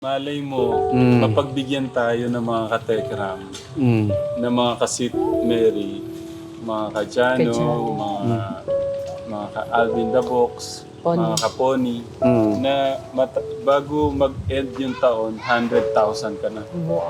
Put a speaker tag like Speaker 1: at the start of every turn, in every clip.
Speaker 1: Malay mo, mapagbigyan tayo ng mga katekram, ng mga kasit Mary, mga Kajano, mga ka-Alvin the Box, mga ka-Pony, na bago mag-end yung taon, 100,000 ka na.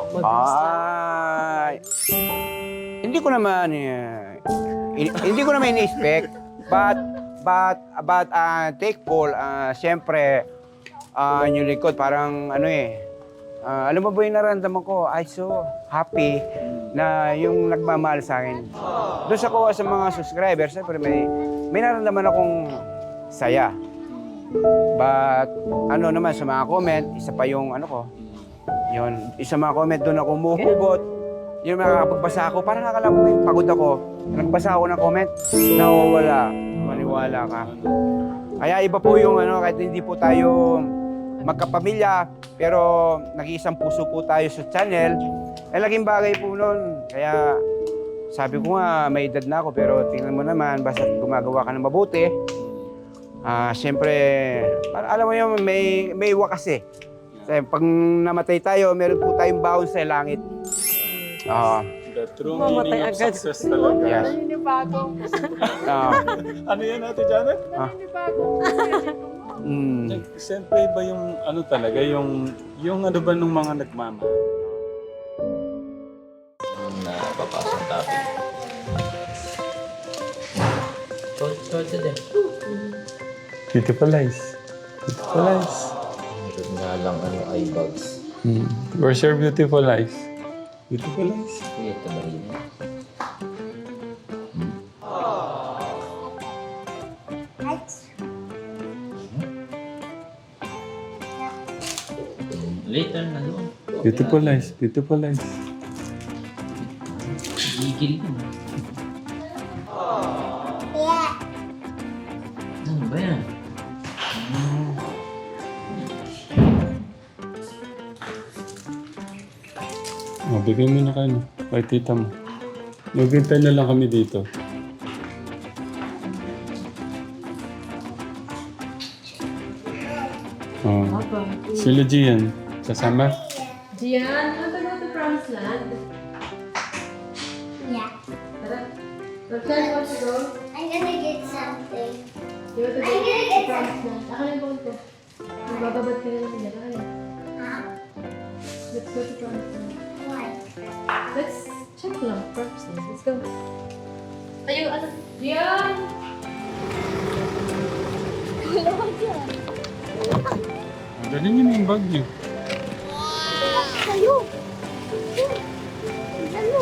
Speaker 2: Ay, hindi ko naman ini-expect, but thankful, siyempre, yung likod, parang alam mo ba yung naramdaman ko, I so happy na yung nagmamahal sa akin. Doon sa ko sa mga subscribers, siyempre may naramdaman akong saya. But naman sa mga comment, isa pa yung yun, isa mga comment doon ako umuhugot. Yung makakapagbasa ako, parang akala mo yung pagod ako. Nagbasa ako ng comment, nawawala. Maniwala ka. Kaya iba po yung kahit hindi po tayo magkapamilya, pero nag-iisang puso po tayo sa channel. Ay laking bagay po nun. Kaya sabi ko nga, may edad na ako, pero tingnan mo naman, basta gumagawa ka ng mabuti. Siyempre, alam mo yun, may wakas eh. Kasi pag namatay tayo, meron po tayong baon sa langit.
Speaker 1: The true meaning of success talaga.
Speaker 2: Yes.
Speaker 1: Ano yan, Ate Janet? Siyempre ba yung talaga, yung ano ba nung mga nagmamahal?
Speaker 3: Na papasang topic. Short din.
Speaker 1: Beautiful eyes. Beautiful eyes.
Speaker 3: Ito nga lang eye bags.
Speaker 1: Where's your beautiful eyes? Beautiful eyes.
Speaker 3: Kaya ito ba rin? Later na doon.
Speaker 1: Beautiful eyes. Beautiful eyes.
Speaker 3: Gigil yun. Ano ba yan?
Speaker 1: Bigay mo na kayo. Kay tita mo. Maghintay na lang kami dito. Sila Gian. Kasama?
Speaker 4: Gian, want to go to Promised Land?
Speaker 5: Yeah.
Speaker 4: Tara. Roxanne, want to go?
Speaker 5: I'm gonna get something.
Speaker 4: You want to go to Promised Land? Ako na yung phone ko. Magbababad ka na lang nila. Kaya.
Speaker 5: Huh?
Speaker 4: Let's go to Promised Land.
Speaker 5: Why?
Speaker 4: Let's check lang. Promised Land. Let's go. Ayo, Gian!
Speaker 1: Dali niyo na yung bag niyo.
Speaker 5: Kayo! Ano?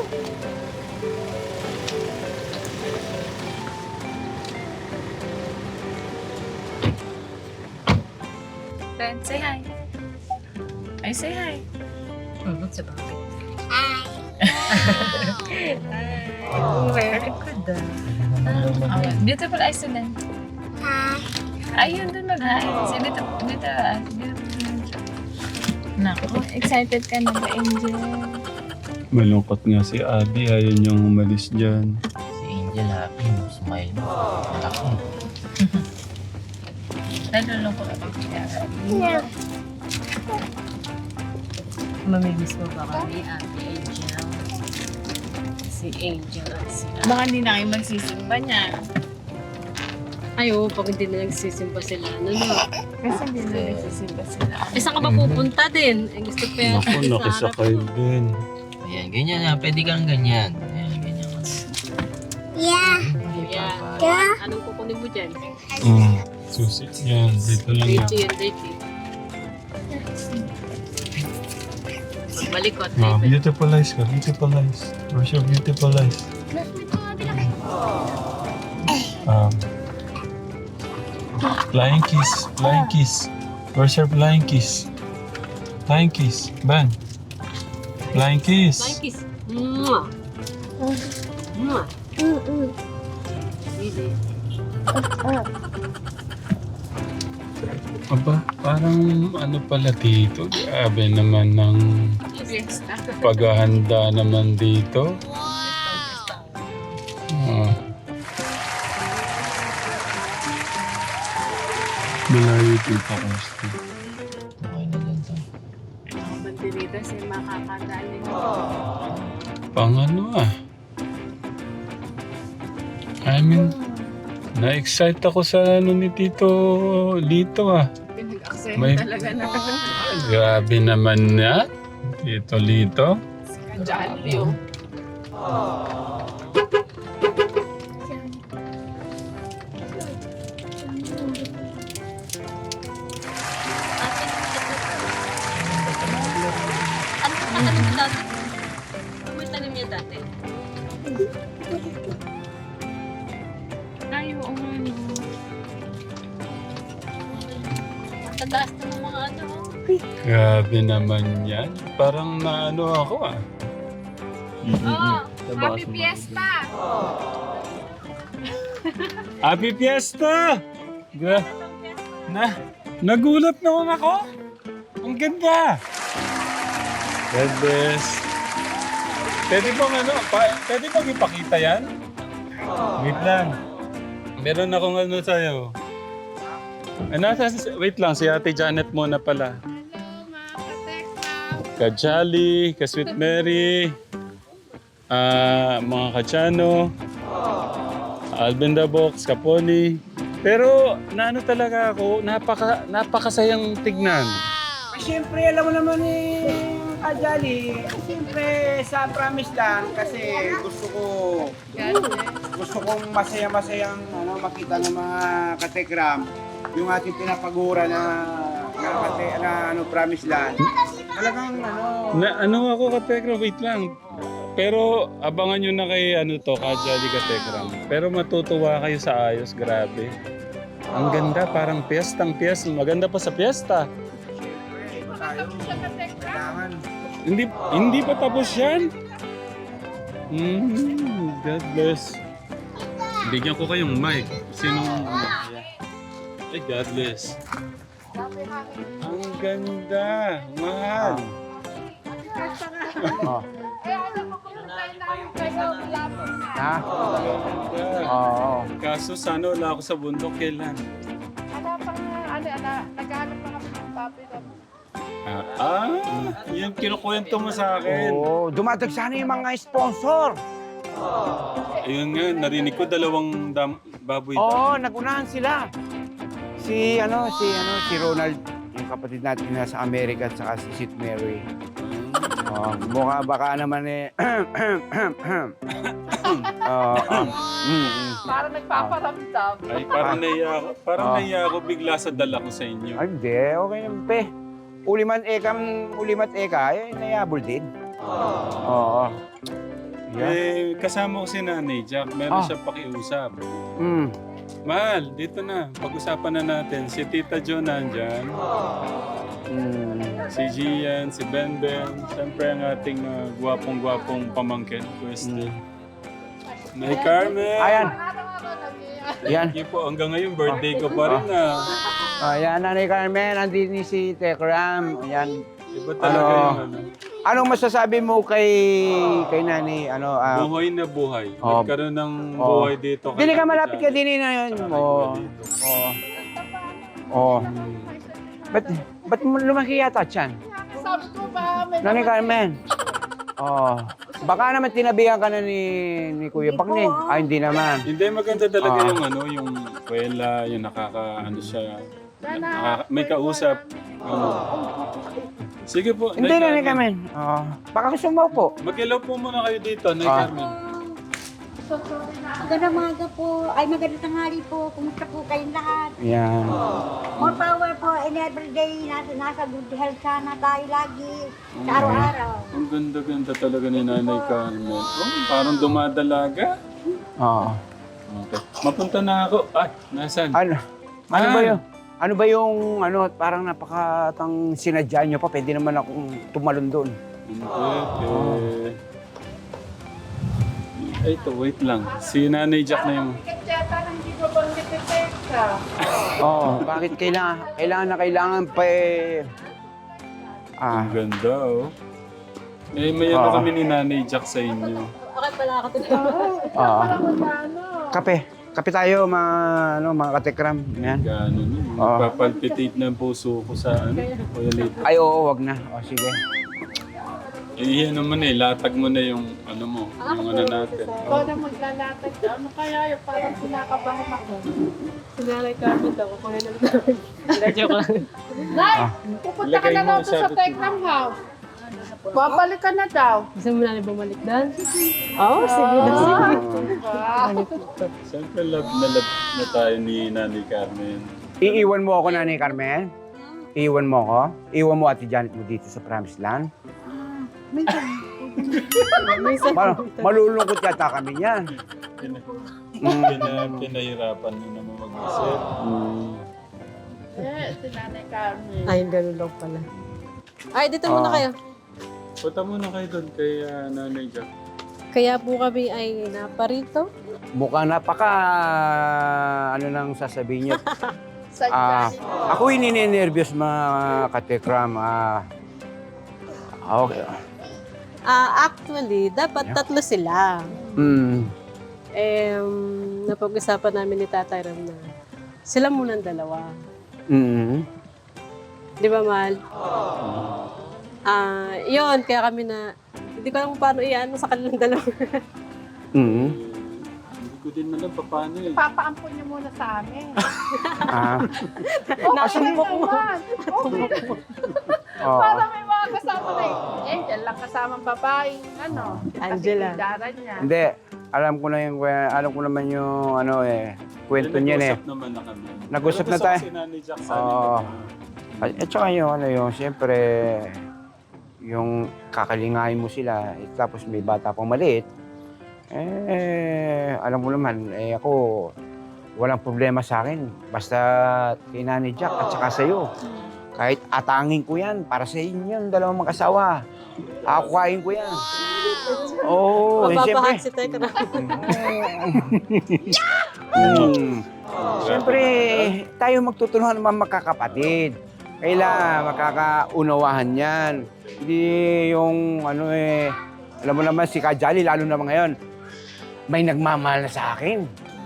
Speaker 6: Ben, say hi. I say hi. Sa bakit? Oh, very good. Beautiful eyes din.
Speaker 5: Hi.
Speaker 6: Ayun dun mag-hi. Say dito. Naku, excited ka na ba, Angel?
Speaker 1: Malungkot nga si Abby. Ayaw niyang umalis dyan.
Speaker 3: Si Angel happy mo. Smile mo. Malaki.
Speaker 6: Nalulungkot ako siya.
Speaker 5: No.
Speaker 6: Mamimiss mo ba kami, Ate Angel? Si Angel at si baka hindi na kayo magsisimba niya.
Speaker 4: Ay, oo, pag hindi na nagsisimba sila,
Speaker 6: Kasi hindi na nagsisimba sila.
Speaker 4: Eh, saan ka ba pupunta din? Eh, gusto pa yan.
Speaker 1: Naku, nakisakay din.
Speaker 3: Ayan, ganyan na. Pwede kang ganyan. Ayan, ganyan ka.
Speaker 5: Yeah.
Speaker 4: Yeah.
Speaker 5: Yeah.
Speaker 4: Anong kukunin mo dyan?
Speaker 1: Susi. Yan, dito lang yan.
Speaker 4: Dirty yan, dirty. Malikot.
Speaker 1: Beautiful eyes ka. Beautiful eyes. Where's your beautiful eyes? Flying kiss. Flying kiss. Where's your flying kiss? Flying kiss. Ben. Flying kiss.
Speaker 4: Flying kiss. Mwah! Mwah! Really?
Speaker 1: Aba, parang pala dito. Grabe naman ng
Speaker 6: Fiesta.
Speaker 1: paghahanda naman dito. Malayo dito, Costa.
Speaker 3: Okay na dyan to.
Speaker 6: dito si makakadalin.
Speaker 1: Pang ano I mean, na-excite ako sa ano ni Tito Lito
Speaker 6: Pinag-aksaya
Speaker 1: May-
Speaker 6: talaga na
Speaker 1: Grabe naman na. Tito Lito.
Speaker 6: si Kajali, oh.
Speaker 4: Ano ang tanim mo dati? Ano yung tanim niya dati?
Speaker 6: Ay, oo nga, no.
Speaker 4: Ang tataas ng mga ano.
Speaker 1: Grabe naman yan. Parang naano ako
Speaker 6: Oh, happy fiesta!
Speaker 1: Happy Fiesta! Nagulat naman ako. Ang ganda. God bless. Pwede bang pwede bang ipakita yan? Wait lang. Meron akong ano sa'yo. Wait lang, si Ate Janet muna pala.
Speaker 6: Hello, mga katekram!
Speaker 1: Kajali, Ka-Sweet Mary, mga Kachano, Alvin the Box, Kapoli. Pero naano talaga ako, napakasayang tignan.
Speaker 2: Siyempre, alam mo naman Kajali, siyempre sa promise lang kasi gusto kong masaya-masayang makita ng mga katekram yung ating pinapagura na promise lang. Talagang
Speaker 1: Ano ako Katekram, wait lang. Pero abangan nyo na kay Kajali Katekram. Pero matutuwa kayo sa ayos, grabe. Ang ganda, parang piyestang piyesta. Maganda pa sa piyesta.
Speaker 2: kailangan.
Speaker 1: Hindi pa tapos yan? God bless. Bigyan ko kayong mic. Sinong... Ay, God bless. Ang ganda. Mahal.
Speaker 2: Oh. Ha?
Speaker 1: Ganda.
Speaker 2: Oo.
Speaker 1: Kaso sana wala ako sa bundok kailan.
Speaker 6: Naghanap na kami ng papi ko.
Speaker 1: Yung kinukwento mo sa akin.
Speaker 2: Oo, dumadag sana yung mga sponsor.
Speaker 1: Ayun nga, narinig ko dalawang baboy.
Speaker 2: Oo, nagunahan sila. Si Ronald, yung kapatid natin na sa Amerika at saka si Sweet Mary. Mukha baka naman
Speaker 6: Parang nagpaparamdam.
Speaker 1: Ay, parang naiya ako. Parang naiya ako bigla sa dala ko sa inyo.
Speaker 2: Ay, hindi. Okay naman, pe. Ulimat eka, nayabol din. Oo. Yeah.
Speaker 1: Kasama ko si Nanay Jack. Meron siya pakiusap. Mahal, dito na. Pag-usapan na natin. Si Tita Jo nandyan. Si Gian, si Benben. Siyempre ang ating gwapong-gwapong pamangkin. Pweste. Nay Carmen.
Speaker 2: Ayan. Yan.
Speaker 1: Thank you po. Hanggang ngayon, birthday ko pa rin
Speaker 2: Ayan, Nanay Carmen. Andin ni si Tekram. Ayan.
Speaker 1: Iba talaga yung
Speaker 2: Anong masasabi mo kay Nani?
Speaker 1: buhay na buhay.
Speaker 2: Oh.
Speaker 1: Nagkaroon ng buhay dito.
Speaker 2: Dili ka malapit ka din na yun. Oo. Ba't mo lumaki yata tiyan?
Speaker 6: Sabi ko ba, may
Speaker 2: Nanay Carmen. Baka naman tinabihan ka na ni Kuya Baknin. Hindi naman.
Speaker 1: Hindi, maganda talaga yung kwela, yung siya. May kausap. Sige po.
Speaker 2: Hindi, Nanay Carmen. Baka gusto mo po.
Speaker 1: Mag-hello po muna kayo dito, Nay Carmen.
Speaker 5: Magandang umaga po. Ay, magandang tanghali po. Kumusta po kayong lahat?
Speaker 2: Yan.
Speaker 5: More power po in everyday. Nasa good health sana tayo lagi. Sa araw-araw.
Speaker 1: Ang ganda-ganda talaga ni Nanay Carmen. Parang dumadalaga.
Speaker 2: Oo.
Speaker 1: Okay. Mapunta na ako. Ay, nasan?
Speaker 2: Ano ba yung parang napakatang sinadya nyo pa? Pwede naman akong tumalon doon.
Speaker 1: Ay, ito, wait lang. Si Nanay Jack na yung...
Speaker 6: Kaya hindi ko bang nititeka?
Speaker 2: Oo, bakit kailangan pa
Speaker 1: Ang ganda, may kami ni Nanay Jack sa inyo.
Speaker 4: Okay pala ako tinawag.
Speaker 2: Kape tayo mga katekram. Yan.
Speaker 1: Gano'n yun. Papalpitate ng puso ko sa Kuya Lito.
Speaker 2: Ay, oo, wag na. Sige.
Speaker 1: Eh, ano mo na latag mo na yung ano mo, yung ano natin.
Speaker 6: Ikaw na maglalatag. Ano kaya yung parang kinakabahan ako. Sinalay Carmen daw. Ako na lang. Joke lang.
Speaker 4: Nay, pupunta ka
Speaker 1: Ilagay
Speaker 4: na
Speaker 1: mo,
Speaker 4: daw doon sa
Speaker 1: sabi ko.
Speaker 4: Tecnam House. Babalik ka na daw.
Speaker 6: Gusto mo na bumalik doon? Oo, sige na sige.
Speaker 1: Siyempre love na tayo ni Nanay Carmen.
Speaker 2: Iiwan mo ako, Nanay Carmen? Iiwan mo ako? Iiwan mo Ate Janet mo dito sa Promised Land? Malulungkot yata kami niyan.
Speaker 1: Pinahirapan nyo naman mag-isip.
Speaker 6: Si Nanay Carmen.
Speaker 7: Ay, ganun lang pala. Ay, dito muna kayo.
Speaker 1: Punta muna kayo doon kay Nanay Jack.
Speaker 7: Kaya po kami ay naparito.
Speaker 2: Mukhang napaka, ano nang sasabihin niyo.
Speaker 6: Sadya.
Speaker 2: Ako ininervyos mga katekram. Okay.
Speaker 7: Actually, dapat tatlo sila. Napag-usapan namin ni Tatay Ram na sila munang dalawa. Di ba, Mal? Yun, kaya kami na, hindi ko alam kung paano iyan sa kanilang dalawa.
Speaker 1: Hindi ko din alam paano eh.
Speaker 6: Papaampun niyo muna sa amin.
Speaker 7: Nasumbok mo.
Speaker 6: Para may mga kasama na eh. Angel lang kasamang babae. Ano?
Speaker 7: Angela.
Speaker 6: Kasi niya.
Speaker 2: Hindi. Alam ko naman yung kwento niyan eh.
Speaker 1: Nag-usap naman na kami.
Speaker 2: Nag-usap na tayo.
Speaker 1: Si Nanay Jack sa
Speaker 2: Oo.
Speaker 1: amin.
Speaker 2: At saka yung siyempre, yung kakalingahin mo sila, tapos may bata pang maliit, alam mo naman, ako, walang problema sa akin. Basta kay Nanay Jack at saka sa'yo. Kahit atangin ko yan, para sa inyo yung dalawang mag-asawa. Akukain ko yan. Oo, siyempre.
Speaker 7: Mapapahan si Teka Ram.
Speaker 2: Siyempre, tayo magtutulungan naman magkakapatid. Kailangan makakaunawahan yan. Hindi yung alam mo naman si Kajali, lalo naman ngayon, may nagmamahal na sa akin.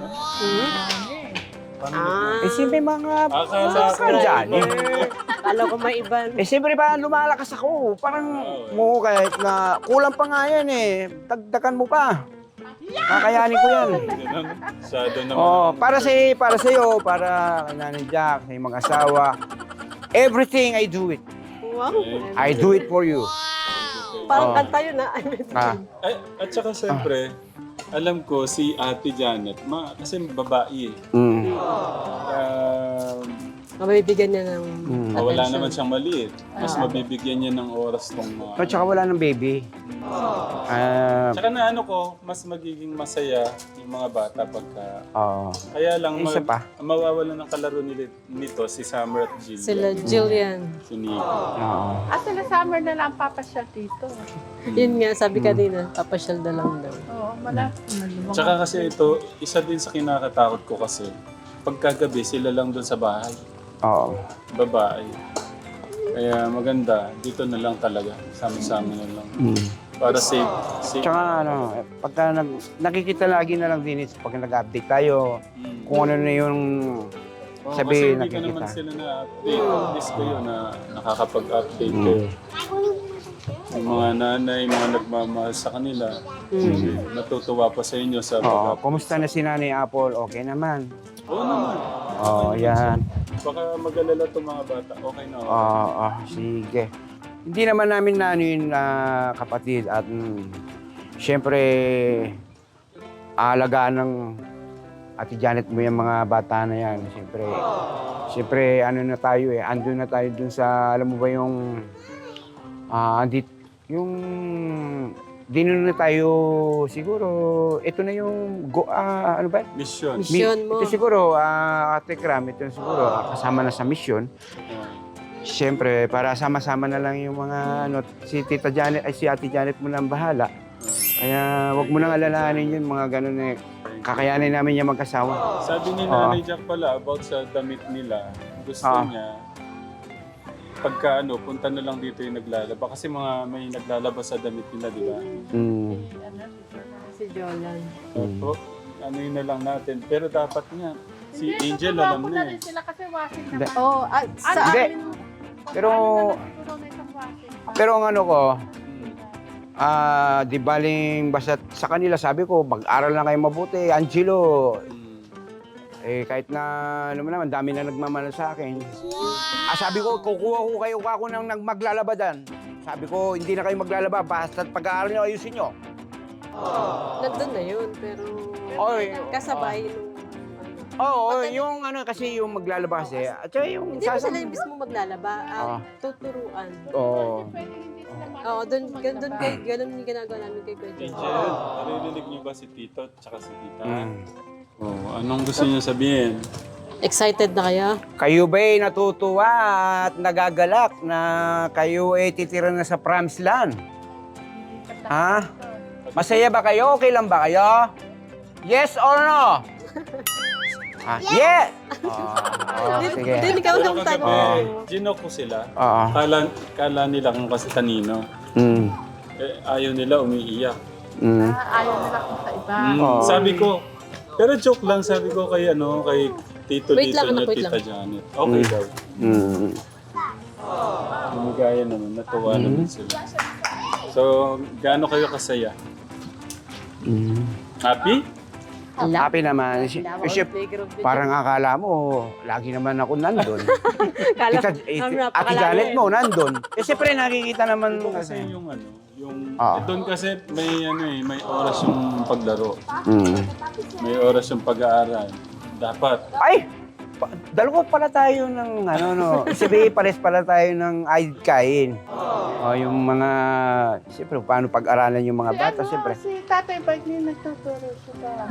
Speaker 2: Siyempre mga Kajali.
Speaker 7: Alam ko may iba.
Speaker 2: Siyempre pa lumalakas ako. Parang mo kahit na kulang pa nga yan Dagdagan mo pa. Kakayanin ko yan.
Speaker 1: Masyado naman.
Speaker 2: Para sa'yo, para kay Nanay Jack, sa iyong mga asawa. Everything I do it.
Speaker 7: Wow.
Speaker 2: I do it for you.
Speaker 7: Parang kanta yun na.
Speaker 1: Ay, at saka siyempre, alam ko si Ate Janet, kasi babae
Speaker 7: Mabibigyan niya ng
Speaker 1: wala
Speaker 7: attention.
Speaker 1: naman siyang maliit. Mas mabibigyan niya ng oras tong mga...
Speaker 2: At saka wala ng baby.
Speaker 1: Tsaka na mas magiging masaya yung mga bata pagka... Kaya lang,
Speaker 2: Isa pa.
Speaker 1: mawawalan ng kalaro nito si Summer at Jill.
Speaker 7: Sila Jillian.
Speaker 1: Si Nico.
Speaker 6: Sila summer na lang papasyal dito.
Speaker 7: Yun nga, sabi kanina, papasyal na lang daw.
Speaker 6: Oo, malaki.
Speaker 1: Tsaka kasi ito, isa din sa kinakatakot ko kasi, pagkagabi sila lang doon sa bahay. Babae. Kaya maganda, dito na lang talaga. Sama-sama na lang. Para safe.
Speaker 2: Tsaka pagka nakikita lagi na lang din pag nag-update tayo, kung ano na yung sabihin
Speaker 1: kasi hindi ko naman
Speaker 2: nakikita.
Speaker 1: sila na-update. At least kayo na nakakapag-update kayo. Yung mga nanay, mga nagmamahal sa kanila, natutuwa pa sa inyo sa pag-update.
Speaker 2: Kumusta na si Nanay Apple? Okay naman.
Speaker 1: Oo naman.
Speaker 2: Yan.
Speaker 1: Baka mag-alala itong mga bata. Okay na.
Speaker 2: Sige. Hindi naman namin yun kapatid at siyempre aalagaan ng Ate Janet mo yung mga bata na yan. Siyempre na tayo andun na tayo dun sa, alam mo ba yung Dinon na tayo siguro, ito na yung ano ba?
Speaker 1: Mission.
Speaker 7: Mission mo.
Speaker 2: Ito siguro, Ate Kram, ito siguro, kasama na sa mission. Siyempre, para sama-sama na lang yung mga, si Tita Janet, si Ate Janet mo nang bahala. Kaya wag mo nang alalahanin yun, mga ganun kakayanin namin yung magkasawa.
Speaker 1: Sabi ni Nanay Jack pala about sa damit nila, gusto niya, pagka punta na lang dito yung naglalaba. Kasi may naglalaba sa damit nila, di ba?
Speaker 7: Si Jolan.
Speaker 1: So, yun na lang natin. Pero dapat nga, si Angel alam na
Speaker 6: rin sila kasi washing
Speaker 2: Hindi.
Speaker 6: naman.
Speaker 7: Sa
Speaker 2: Hindi.
Speaker 7: amin,
Speaker 2: Pero ang Di baling basta sa kanila sabi ko, mag-aral lang kayo mabuti. Angelo, kahit na, ano naman, dami na nagmamahal sa akin. Sabi ko, kukuha ko kayo ako ng maglalaba dyan. Sabi ko, hindi na kayo maglalaba, basta pag-aaral nyo, ayusin nyo.
Speaker 7: Nandun na yun, pero
Speaker 2: Oy,
Speaker 7: kasabay nung
Speaker 2: Oo, yung ano kasi yung maglalaba kasi. At saka yung
Speaker 7: Hindi mo sila yung mismo maglalaba, tuturuan.
Speaker 2: Oo.
Speaker 7: Oo, ganun yung ginagawa namin kay Kuya John.
Speaker 1: Angel, naririnig niyo ba si Tito at saka si Tita? Oh, anong gusto niyo sabihin?
Speaker 7: Excited na kaya?
Speaker 2: Kayo ba'y natutuwa at nagagalak na kayo ay titira na sa promised land? Ha? Masaya ba kayo? Okay lang ba kayo? Yes or no? Yes! Sige.
Speaker 7: Hindi, ikaw
Speaker 1: Pero
Speaker 7: lang
Speaker 1: kagabi,
Speaker 7: tanong.
Speaker 1: ginok ko sila.
Speaker 2: Oo.
Speaker 1: Kala nila kung kasi kanino. Ayaw nila umiiyak.
Speaker 6: Ayaw nila kung sa iba.
Speaker 1: Sabi ko, pero joke lang sabi ko kay Tito
Speaker 7: Wait
Speaker 1: dito
Speaker 7: lang,
Speaker 1: niya,
Speaker 7: wait
Speaker 1: Tita
Speaker 7: lang.
Speaker 1: Janet. Okay daw. Lumigaya naman, natuwa naman sila. So, gaano kayo kasaya? Happy?
Speaker 2: Happy naman. Kasi parang akala mo, lagi naman ako nandun. Ate Janet mo, nandun. Siyempre nakikita naman
Speaker 1: Ito kasi
Speaker 2: kasi.
Speaker 1: yung doon kasi may oras yung paglaro. May oras yung pag-aaral. Dapat.
Speaker 2: Ay! Dalawa pala tayo ng sabi pares pala tayo ng kain. Yung mga, siyempre, paano pag-aralan yung mga bata, siyempre.
Speaker 6: Si Tatay Bart niya nagtuturo siya.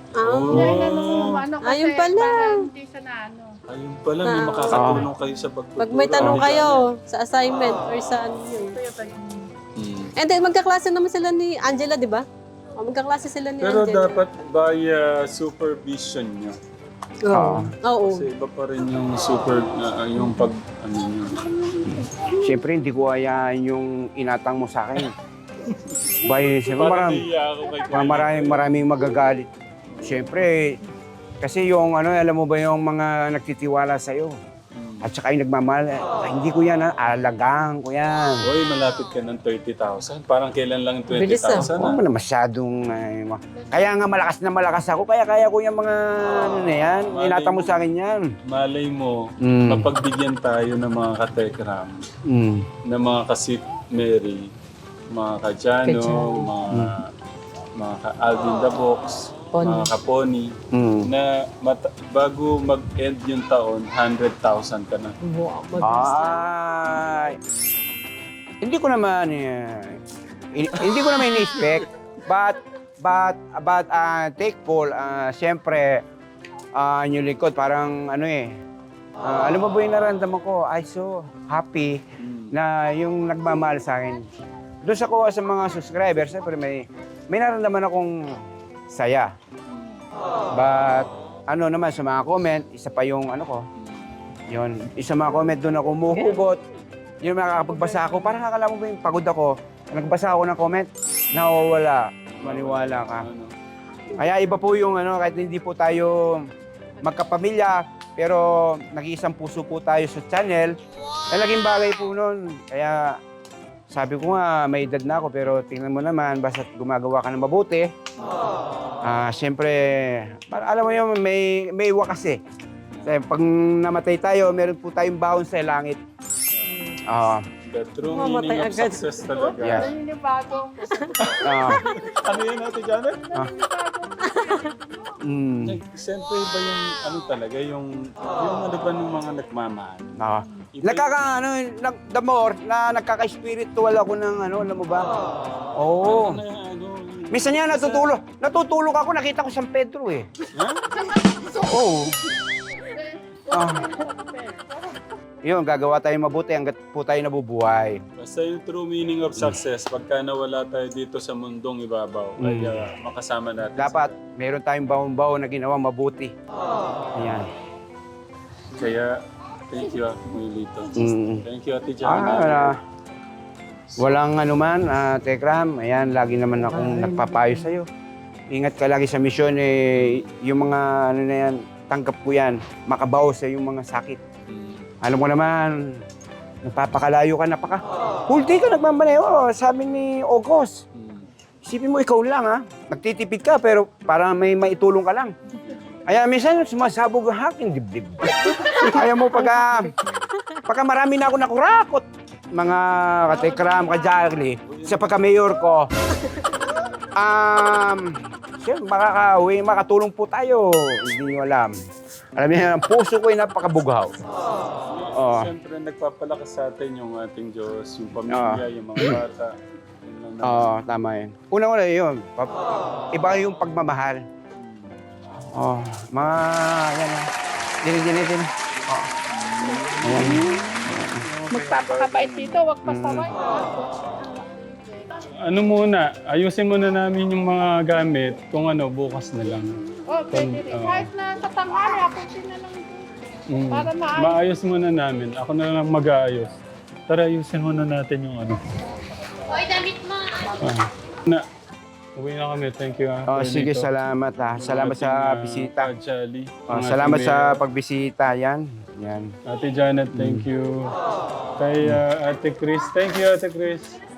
Speaker 7: Ayun pala.
Speaker 6: Hindi siya na ano.
Speaker 1: Ayun pala, may makakatulong kayo sa pagtuturo.
Speaker 7: Pag may tanong kayo sa assignment or sa ano yun. And then, magkaklase naman sila ni Angela, di ba? Magkaklase sila ni
Speaker 1: Pero
Speaker 7: Angela.
Speaker 1: dapat by supervision nyo.
Speaker 7: Oo.
Speaker 1: Kasi iba pa rin yung yung pag, nyo.
Speaker 2: Siyempre, hindi ko hayaan yung inatang mo sa akin. Siyempre,
Speaker 1: Parang naiya ako kay Kuya.
Speaker 2: maraming magagalit. Siyempre, kasi yung alam mo ba yung mga nagtitiwala sa'yo? At saka yung nagmamahal, hindi ko yan, alagaan ko yan.
Speaker 1: Hoy, malapit ka ng 30,000. Parang kailan lang yung
Speaker 7: Bilis
Speaker 1: 20,000
Speaker 2: Huwag mo na masyadong... kaya nga malakas ako, kaya ko yung mga yan. Inata mo sa akin yan.
Speaker 1: Malay mo, mapagbigyan tayo ng mga katekram, ng mga kasit Mary, mga Kajano, mga Alvin the Box, mga Kaponi, na bago mag-end yung taon, 100,000 ka na.
Speaker 2: Ay, hindi ko naman in-expect, but thankful, siyempre, yung likod, parang alam mo ba yung naramdaman ko, I so happy na yung nagmamahal sa akin. Doon sa mga subscribers, siyempre may naramdaman akong saya. But, naman sa mga comment, isa pa yung yun, isa mga comment doon ako umuhugot. Yung makakapagbasa ako, parang akala mo ba yung pagod ako, nagbasa ako ng comment, nawawala, maniwala ka. Kaya iba po yung kahit hindi po tayo magkapamilya, pero nag-iisang puso po tayo sa channel, talagang bagay po nun. Kaya sabi ko nga, may edad na ako, pero tingnan mo naman, basta gumagawa ka ng mabuti. Siyempre, alam mo yun, may wakas eh. Pag namatay tayo, meron po tayong baon sa langit.
Speaker 1: The true
Speaker 7: Mamatay
Speaker 1: meaning of
Speaker 7: agad.
Speaker 1: success talaga.
Speaker 2: Yes.
Speaker 1: Ano yun, Ate Janet? Siyempre ba yung talaga, yung ba ng mga nagmamahal? The more na nagkaka-spiritual ako ng alam mo ba? Oo. Minsan yan, natutulog ako, nakita ko San Pedro eh. Oo. Yun, gagawa tayo mabuti hanggat po tayo nabubuhay. Basta yung true meaning of success, pagka nawala tayo dito sa mundong ibabaw, kaya makasama natin.
Speaker 2: Dapat, meron tayong baon-baon na ginawa mabuti. Ayan.
Speaker 1: Kaya, thank you, Muelito. Thank you, Ate Janet.
Speaker 2: Walang anuman, Tekram. Ayan, lagi naman akong nagpapayo sa'yo. Ingat ka lagi sa misyon, yung mga na yan, tanggap ko yan, makabaw sa yung mga sakit. Alam mo naman, Napapakalayo ka, whole day ka nagmamaneho, sabi ni August. Isipin mo, ikaw lang ha. Nagtitipid ka, pero parang may maitulong ka lang. Kaya minsan, sumasabog ang aking dibdib. Kaya mo, pagka marami na ako nakurakot, mga katekram, kajagli, sa pagka-mayor ko, siyempre, makatulong po tayo. Hindi nyo alam. Alam niyo, ang puso ko ay napakabughaw. Oh.
Speaker 1: Siyempre, nagpapalakas sa atin yung ating Diyos, yung pamilya, yung mga bata. Yun lang naman.
Speaker 2: Oo, tama yun. Una-una yun. Iba yung pagmamahal. Oh, mga, yan na. Din. Oh. Ayan.
Speaker 6: Magpapakabait dito, wag pasaway.
Speaker 1: Ano muna, ayusin muna namin yung mga gamit kung ano, bukas na lang.
Speaker 6: Oh, pwede rin. Kahit na sa tanghali, ako na lang. Para
Speaker 1: Maayos muna namin. Ako na lang mag-aayos. Tara, ayusin muna natin yung ano.
Speaker 4: Hoy, damit mo.
Speaker 1: Uwi na kami. Thank you.
Speaker 2: Oh, sige, salamat ha. Salamat sa bisita.
Speaker 1: Jolly.
Speaker 2: Oh, salamat sa pagbisita. Yan.
Speaker 1: Ate Janet, thank you. Kay Ate Chris, thank you Ate Chris.